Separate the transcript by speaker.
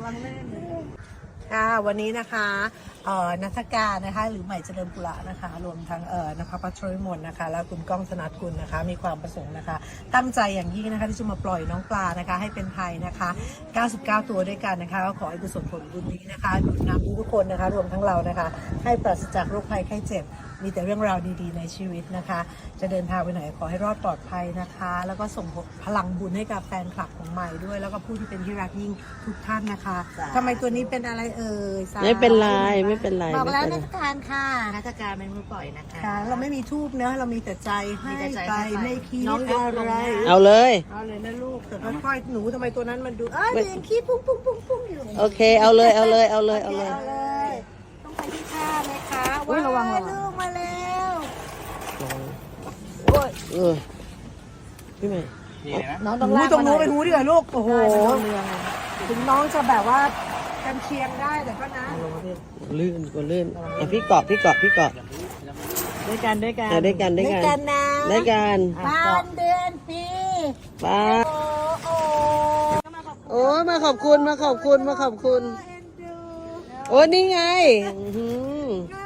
Speaker 1: วังลื่นค่ะวันนี้นะคะนัทการนะคะหรือใหม่เจริญปุระนะคะรวมทั้งนภพัชรวิมลนะคะแล้วคุณก้องธนัทกุลนะคะมีความประสงค์นะคะตั้งใจอย่างยิ่งนะคะที่จะมาปล่อยน้องปลานะคะให้เป็นไทยนะคะ99ตัวด้วยกันนะคะก็ขอให้กุศลผลบุญนี้นะคะหนุนนำทุกคนนะคะรวมทั้งเรานะคะให้ปราศจากโรคภัยไข้เจ็บมีแต่เรื่องราวดีๆในชีวิตนะคะจะเดินทางไปไหนขอให้รอดปลอดภัยนะคะแล้วก็ส่งพลังบุญให้กับแฟนคลับของใหม่ด้วยแล้วก็ผู้ที่เป็นที่รักยิ่งทุกท่านนะคะทำไมตัวนี้เป็นอะไรเอ่ย
Speaker 2: ไม่เป็นไรไม่เป็นไร
Speaker 1: บอกแล้ว
Speaker 2: ไม่
Speaker 1: นั
Speaker 2: เป็น
Speaker 1: กการค่ะ
Speaker 3: นักการเป็นมือปล่อยนะคะ
Speaker 1: ค่ะเราไม่มีทูบเนอะเรามีแต่ใจให้ไปไม่คิด
Speaker 3: น้องยก
Speaker 1: อะ
Speaker 3: ลง
Speaker 1: ไร
Speaker 3: นะ
Speaker 2: เอาเลย
Speaker 1: เอาเลยนะลูกแต่ค่อยๆหนูทำไมตัวนั้นมันดูเด็กขี้ปุ้งปุ้งปุ้งปุ้งอยู่
Speaker 2: โอเคเอาเลยเอาเลยเอาเลยเอาเลย
Speaker 1: เอาเลยต้องไปที่ท่าไหมคะ
Speaker 2: อุ๊ยระวัง
Speaker 1: ลูกมาแล้ว
Speaker 2: พี่ใหม่
Speaker 3: น้อง
Speaker 1: ห
Speaker 3: ต้อง
Speaker 1: นู
Speaker 3: ลาก
Speaker 1: ตรง
Speaker 3: มาหน่
Speaker 1: นู้
Speaker 3: อน ย
Speaker 1: ไปหูดีกว่าลูกโอ้โห
Speaker 3: เรือไง
Speaker 1: ถึงน้องจะแบบว่ากันเชียงได้แต่ก็นะ
Speaker 2: ลื่นกว่าลื่นอ่ะพี่เกาะพี่เกาะพี่เกาะ
Speaker 3: ด้วยกันด้วยกัน
Speaker 2: อ่ะด้วยกันด้วย
Speaker 1: ด้วย
Speaker 2: กั
Speaker 1: กัน นนะ
Speaker 2: ด้วยกัน
Speaker 1: บ้านเดือนปี
Speaker 2: ป้า
Speaker 1: โอ้โอ้
Speaker 2: โอ้ยมาขอบคุณมาขอบคุณมาขอบคุณ
Speaker 1: เอ็นดู
Speaker 2: โอ้ยนี่ไงอื้อหือ
Speaker 1: น่า